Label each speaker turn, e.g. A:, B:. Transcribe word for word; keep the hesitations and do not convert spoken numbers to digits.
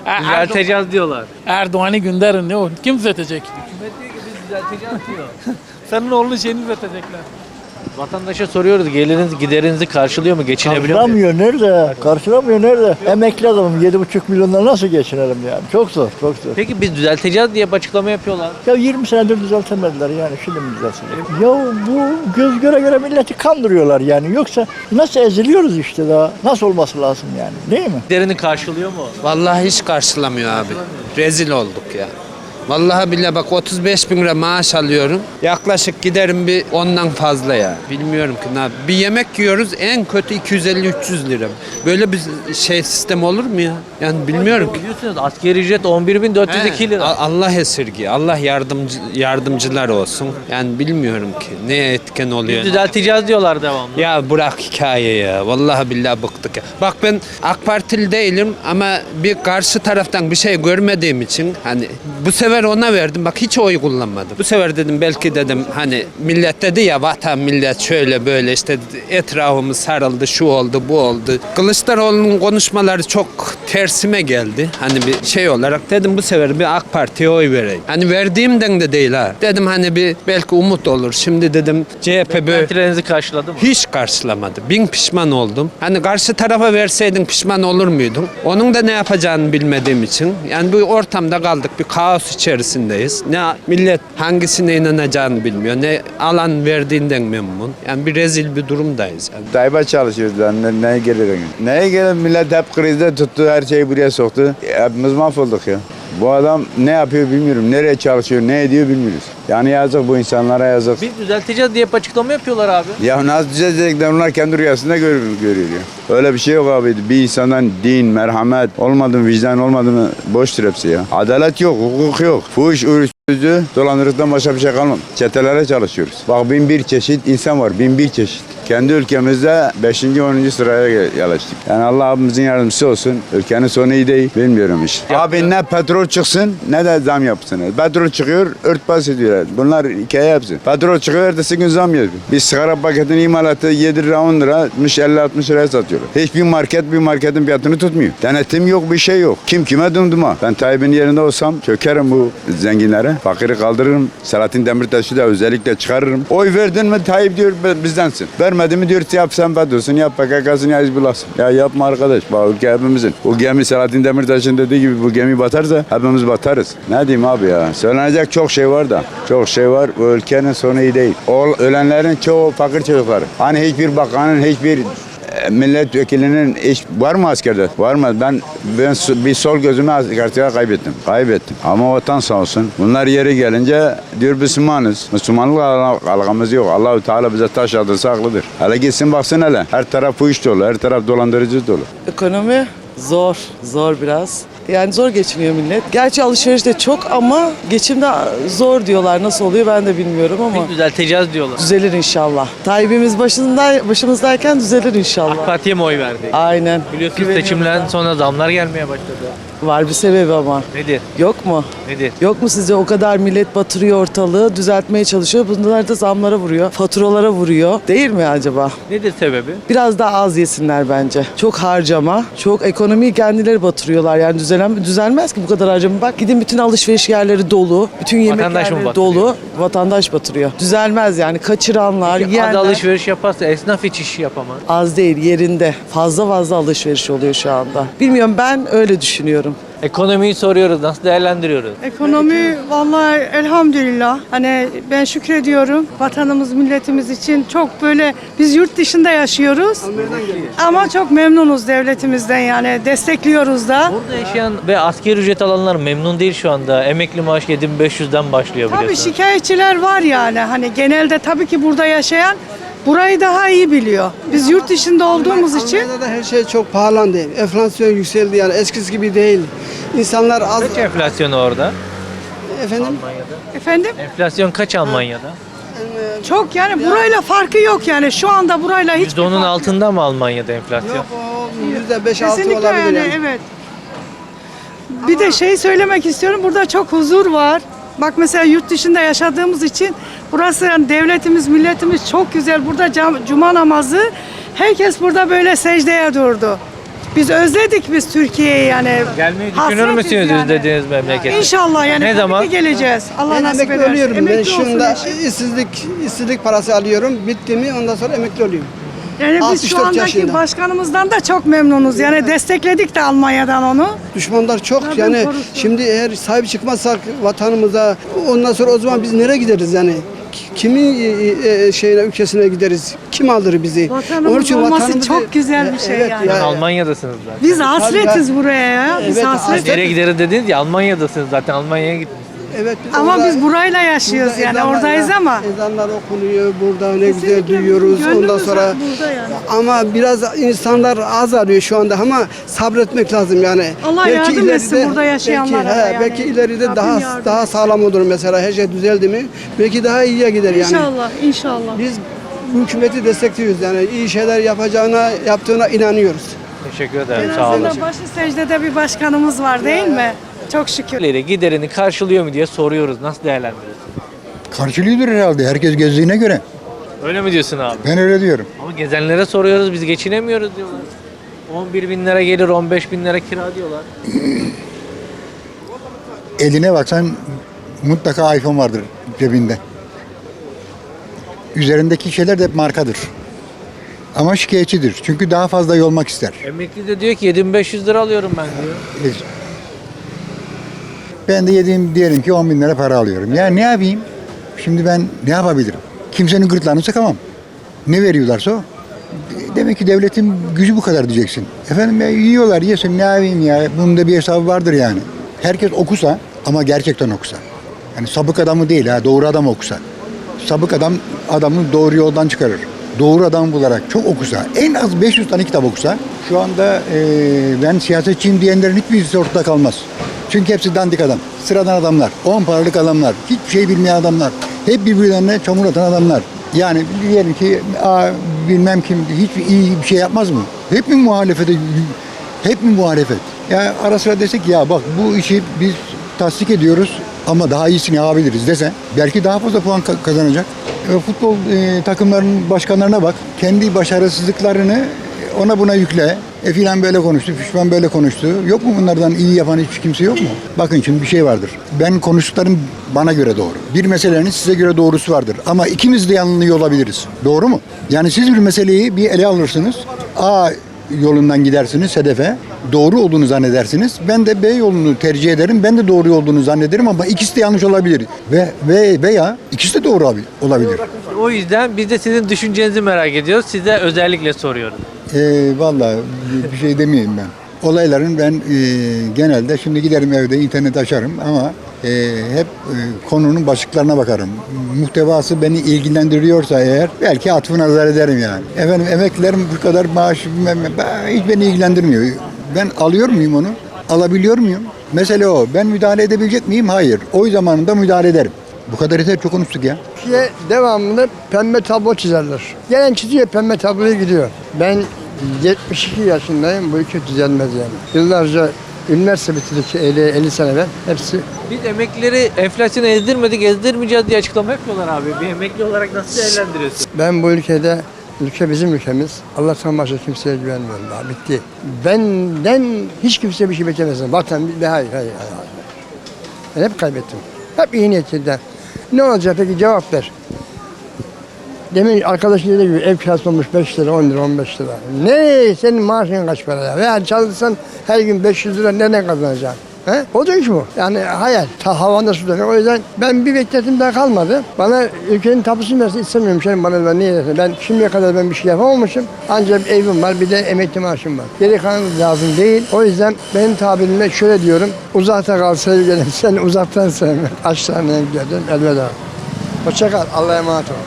A: Düzelteceğiz diyorlar.
B: Erdoğan'ı gönderin, ne o? Kim düzeltecek?
A: Hükümet diyor ki biz düzelteceğiz diyor.
B: Senin oğlunun şeyini düzeltecekler.
A: Vatandaşa soruyoruz, geliriniz giderinizi karşılıyor mu, geçinebiliyor mu?
C: Karşılamıyor nerede? Karşılamıyor nerede? Emekli adamım yedi buçuk milyonla nasıl geçinelim yani? Çok zor, çok zor.
A: Peki biz düzelteceğiz diye bir açıklama yapıyorlar.
C: Ya yirmi senedir düzeltemediler yani şimdi mi düzeltecek? Ya bu göz göre göre milleti kandırıyorlar yani. Yoksa nasıl eziliyoruz işte daha? Nasıl olması lazım yani? Değil mi?
A: Giderini karşılıyor mu?
D: Vallahi hiç karşılamıyor abi. Rezil olduk ya. Vallahi billahi bak otuz beş bin lira maaş alıyorum. Yaklaşık giderim bir ondan fazla ya. Bilmiyorum ki ne yap- Bir yemek yiyoruz en kötü iki yüz elli üç yüz lira. Böyle bir şey sistem olur mu ya? Yani bilmiyorum ki.
A: Biliyorsunuz asgari ücret on bir bin dört yüz iki
D: He,
A: lira.
D: A- Allah esirgi. Allah yardımcı yardımcılar olsun. Yani bilmiyorum ki ne etken oluyor.
A: Biz düzelteceğiz diyorlar devamlı.
D: Ya bırak hikaye ya. Vallahi billahi bıktık ya. Bak ben AK Partili değilim ama bir karşı taraftan bir şey görmediğim için hani bu sefer ona verdim. Bak hiç oy kullanmadım. Bu sefer dedim belki dedim hani millet dedi ya vatan millet şöyle böyle işte etrafımız sarıldı şu oldu bu oldu. Kılıçdaroğlu'nun konuşmaları çok tersime geldi. Hani bir şey olarak dedim bu sefer bir AK Parti'ye oy vereyim. Hani verdiğimden de değil ha. Dedim hani bir belki umut olur. Şimdi dedim C H P böyle
A: Beklentilerinizi karşıladı mı?
D: hiç karşılamadı. Bin pişman oldum. Hani karşı tarafa verseydin pişman olur muydun? Onun da ne yapacağını bilmediğim için. Yani bu ortamda kaldık. Bir kaos içerisindeyiz. Ne millet hangisine inanacağını bilmiyor. Ne alan verdiğinden memnun. Yani bir rezil bir durumdayız. Yani.
E: Tayyip'e çalışıyoruz lan. Ne, neye gelir? Neye gelir? Millet hep krizde tuttu. Her şeyi buraya soktu. Hepimiz mahvolduk ya. Bu adam ne yapıyor bilmiyorum. Nereye çalışıyor, ne ediyor bilmiyoruz. Yani yazık bu insanlara yazık.
A: Biz düzelteceğiz diye bir açıklama yapıyorlar abi.
E: Ya nasıl düzelecekler onlar kendi rüyasında görüyor, görüyor ya. Öyle bir şey yok abi. Bir insandan din, merhamet olmadı mı, vicdan olmadı mı boştur hepsi ya. Adalet yok, hukuk yok. Fuhuş, uyuşturucu, dolandırıcıdan başka bir şey kalmadı. Çetelere çalışıyoruz. Bak bin bir çeşit insan var, bin bir çeşit. Kendi ülkemizde beşinci onuncu sıraya yerleştik. Yani Allah abimizin yardımcısı olsun. Ülkenin sonu iyi değil. Bilmiyorum işte. Abi ne petrol çıksın ne de zam yapsın. Petrol çıkıyor örtbas ediyorlar. Bunlar hikaye yapsın. Petrol çıkıyor ertesi gün zam yapıyor. Bir sigara paketinin imalatı yedi lira on lira elli altmış liraya satıyorlar. Hiçbir market bir marketin fiyatını tutmuyor. Denetim yok bir şey yok. Kim kime dumduma. Ben Tayyip'in yerinde olsam çökerim bu zenginlere. Fakiri kaldırırım. Selahattin Demirtaş'ı da özellikle çıkarırım. Oy verdin mi Tayyip diyor bizdensin. Vermedi mi diyor yap sen FETÖ'sün yap P K K'sın ya Hizbullah'sın. Ya yapma arkadaş. Bak ülke hepimizin. O gemi Selahattin Demirtaş'ın dediği gibi bu gemi batarsa hepimiz batarız. Ne diyeyim abi ya. Söylenecek çok şey var da. Çok şey var. Bu ülkenin sonu iyi değil. O ölenlerin çoğu fakir çocukları. Hani hiçbir bakanın hiçbir milletvekilinin iş var mı askerde? Var mı? Ben ben bir sol gözümü askerliğe kaybettim. Kaybettim. Ama vatan sağ olsun. Bunlar yeri gelince diyor Müslümanız. Müslümanlık algımız yok. Allahu Teala bize taş aldırsa haklıdır. Hele gitsin baksın hele. Her taraf bu iş dolu. Her taraf dolandırıcı dolu.
F: Ekonomi zor, zor biraz. Yani zor geçiniyor millet. Gerçi alışveriş de çok ama geçimde zor diyorlar. Nasıl oluyor ben de bilmiyorum ama
A: Biz düzelteceğiz diyorlar.
F: düzelir inşallah. Tayyip'imiz başında, başımızdayken düzelir inşallah.
A: AK Parti'ye mi oy verdik?
F: Aynen.
A: Biliyorsunuz
F: Güveniyorum
A: seçimden
F: ben.
A: sonra zamlar gelmeye başladı.
F: Var bir sebebi ama.
A: Nedir?
F: Yok mu?
A: Nedir?
F: Yok mu sizce o kadar millet batırıyor ortalığı, düzeltmeye çalışıyor. Bunlar da zamlara vuruyor, faturalara vuruyor. Değil mi acaba?
A: Nedir sebebi?
F: Biraz daha az yesinler bence. Çok harcama, çok ekonomiyi kendileri batırıyorlar. Yani düzelen, düzelmez ki bu kadar harcama. Bak gidin bütün alışveriş yerleri dolu, bütün yemek
A: Vatandaş mı
F: yerleri
A: batırıyor?
F: dolu. Vatandaş batırıyor. Düzelmez yani. Kaçıranlar,
A: Az
F: yiyenler.
A: alışveriş yaparsa esnaf hiç iş yapamaz.
F: Az değil, yerinde. Fazla fazla alışveriş oluyor şu anda. Bilmiyorum ben öyle düşünüyorum.
A: Ekonomiyi soruyoruz, nasıl değerlendiriyoruz?
G: Ekonomi vallahi elhamdülillah. Hani ben şükrediyorum vatanımız, milletimiz için çok böyle biz yurt dışında yaşıyoruz. Ama çok memnunuz devletimizden yani destekliyoruz da.
A: Burada yaşayan ve asgari ücret alanlar memnun değil şu anda. Emekli maaş yedi bin beş yüzden başlıyor
G: Tabii
A: biliyorsunuz.
G: şikayetçiler var yani. Hani genelde tabii ki burada yaşayan burayı daha iyi biliyor. Biz yurt dışında olduğumuz için
H: Almanya'da her şey çok pahalandı. Enflasyon yükseldi yani eskisi gibi değil. İnsanlar az...
A: Kaç enflasyon orada?
H: Efendim?
A: Almanya'da.
G: efendim
A: Enflasyon kaç Almanya'da?
G: çok yani burayla farkı yok yani şu anda burayla hiç
A: yüzde onun altında mı Almanya'da enflasyon?
H: Yok o yüzde beş altı
G: kesinlikle
H: olabilir
G: yani,
H: yani.
G: evet. Bir de şey söylemek istiyorum. Burada çok huzur var. Bak mesela yurt dışında yaşadığımız için burası yani devletimiz, milletimiz çok güzel. Burada cam- cuma namazı herkes burada böyle secdeye durdu. Biz özledik biz Türkiye'yi yani.
A: Gelmeyi düşünür
G: Hasretiz
A: müsünüz
G: yani.
A: özlediğiniz memlekete?
G: İnşallah yani.
A: Ne
G: tabii
A: zaman?
G: ki geleceğiz. Allah
H: Ben
G: nasip
H: emekli
G: ederse.
H: oluyorum. Ben
G: Emekli olsun
H: şunda
G: eşim.
H: işsizlik, işsizlik parası alıyorum. Bitti mi ondan sonra emekli olayım.
G: Yani biz
H: altmış
G: şu
H: dört
G: andaki
H: yaşında.
G: başkanımızdan da çok memnunuz. Yani destekledik de Almanya'dan onu.
H: Düşmanlar çok
G: Rabbim
H: yani
G: korusun.
H: şimdi eğer sahip çıkmazsak vatanımıza ondan sonra o zaman biz nereye gideriz yani? Ki- Kimin e, e, şeyine ülkesine gideriz? Kim alır bizi?
G: Vatanımız olması çok güzel bir şey yani.
A: Yani Almanya'dasınız zaten.
G: Biz hasretiz buraya ya. Biz
H: Evet,
G: hasretiz.
A: Nereye gideriz dediniz ya, Almanya'dasınız zaten, Almanya'ya gitmişsiniz.
H: Evet, biz
G: Ama
H: orada-
G: biz burayla yaşıyoruz
H: burada
G: yani
H: ezanlar-
G: oradayız ama.
H: Ezanlar okunuyor burada ne güzel
G: Kesinlikle
H: duyuyoruz.
G: gönlümüz
H: Ondan sonra
G: burada yani.
H: ama biraz insanlar az arıyor şu anda ama sabretmek lazım yani.
G: Allah yardım etsin burada yaşayanlara
H: belki,
G: da
H: he,
G: yani.
H: belki ileride
G: Rabbim
H: daha
G: yardım
H: daha
G: etsin.
H: sağlam olur mesela her şey düzeldi mi? Belki daha iyiye gider yani.
G: İnşallah, inşallah.
H: Biz bu hükümeti destekliyoruz yani iyi şeyler yapacağına yaptığına inanıyoruz.
A: Teşekkür ederim,
G: En
A: sağ olun.
G: azından başı secdede bir başkanımız var değil mi? Çok şükür.
A: Giderini karşılıyor mu diye soruyoruz. Nasıl değerlendiriyorsun?
I: Karşılıyordur herhalde herkes gezdiğine göre.
A: Öyle mi diyorsun abi?
I: Ben öyle diyorum.
A: Ama gezenlere soruyoruz, biz geçinemiyoruz diyorlar. on bir bin lira gelir, on beş bin lira kira diyorlar.
I: Eline baksan mutlaka iPhone vardır cebinde. Üzerindeki şeyler de hep markadır. Ama şikayetçidir. Çünkü daha fazla yolmak ister.
A: Emekli de diyor ki yedi bin beş yüz lira alıyorum ben diyor.
I: Ben de yediğim diyelim ki on bin lira para alıyorum. Ya ne yapayım? Şimdi ben ne yapabilirim? Kimsenin gırtlağını sıkamam. Ne veriyorlarsa o. Demek ki devletin gücü bu kadar diyeceksin. Efendim ya yiyorlar yesin ne yapayım ya. Bunun da bir hesabı vardır yani. Herkes okusa ama gerçekten okusa. Yani sabık adamı değil ha doğru adam okusa. Sabık adam adamı doğru yoldan çıkarır. Doğru adam bularak çok okusa, en az beş yüz tane kitap okusa, şu anda e, ben siyasetçiyim diyenlerin hiçbirisi ortada kalmaz. Çünkü hepsi dandik adam, sıradan adamlar, on paralık adamlar, hiçbir şey bilmeyen adamlar, hep birbirlerine çamur atan adamlar. Yani diyelim ki aa, bilmem kim hiç iyi bir şey yapmaz mı? Hep mi muhalefete, hep mi muhalefet? Ya ara sıra desek ya bak bu işi biz tasdik ediyoruz ama daha iyisini yapabiliriz dese belki daha fazla puan ka- kazanacak. E, futbol e, takımlarının başkanlarına bak. Kendi başarısızlıklarını ona buna yükle. E filan böyle konuştu, pişman böyle konuştu. Yok mu bunlardan iyi yapan hiç kimse yok mu? Bakın şimdi bir şey vardır. Ben konuştuklarım bana göre doğru. Bir meselenin size göre doğrusu vardır. Ama ikimiz de yanılıyor olabiliriz. Doğru mu? Yani siz bir meseleyi bir ele alırsınız. A yolundan gidersiniz hedefe. Doğru olduğunu zannedersiniz. Ben de B yolunu tercih ederim. Ben de doğru olduğunu zannederim ama ikisi de yanlış olabilir. Ve, ve veya ikisi de doğru olabilir.
A: O yüzden biz de sizin düşüncenizi merak ediyoruz. Size özellikle soruyoruz.
I: E, vallahi bir şey demeyeyim ben. Olayların ben e, genelde şimdi giderim evde internet açarım ama e, hep e, konunun başlıklarına bakarım. Muhtevası beni ilgilendiriyorsa eğer belki atfı nazar ederim yani. Efendim emeklilerim bu kadar maaş bilmem ne, ben- hiç beni ilgilendirmiyor. Ben alıyor muyum onu? Alabiliyor muyum? Mesele o. Ben müdahale edebilecek miyim? Hayır. Oy zamanında müdahale ederim. Bu kadar yeter çok konuştuk ya.
J: Türkiye devamlı pembe tablo çizerler. Gelen çiziyor pembe tabloya gidiyor. Ben yetmiş iki yaşındayım. Bu ülke düzelmez yani. Yıllarca üniversite bitirdik elli, elli sene evvel. Hepsi
A: Biz emeklileri enflasyonu ezdirmedik, ezdirmeyeceğiz diye açıklama yapıyorlar abi. Bir emekli olarak nasıl değerlendiriyorsun?
J: ben bu ülkede ülke bizim ülkemiz. Allah'tan başka kimseye güvenmiyorum daha. Bitti. Benden hiç kimse bir şey beklemesin. Vatan bir hayır, hayır, hayır. Ben hep kaybettim. Hep iyi niyetliden. Ne olacak peki cevap ver. Demin arkadaşın dediği gibi ev kirası olmuş beş lira, on lira, on beş lira. Ne? Senin maaşın kaç para ya? Veya çalışsan her gün beş yüz lira nereden kazanacaksın? He? Olacak iş bu. Yani hayal. Ta havanda suda. O yüzden ben bir bekletim daha kalmadı. Bana ülkenin tapusunu versin istemiyorum. Şeyim bana ben niye dersin? Ben şimdiye kadar ben bir şey yapamamışım. Ancak bir evim var, bir de emekli maaşım var. Geri kalan lazım değil. O yüzden benim tabirimle şöyle diyorum. Uzakta kal sevgilim. Sen uzaktan sevme. Aşağıya gidelim. Elveda. Hoşça kal. Allah'a emanet ol.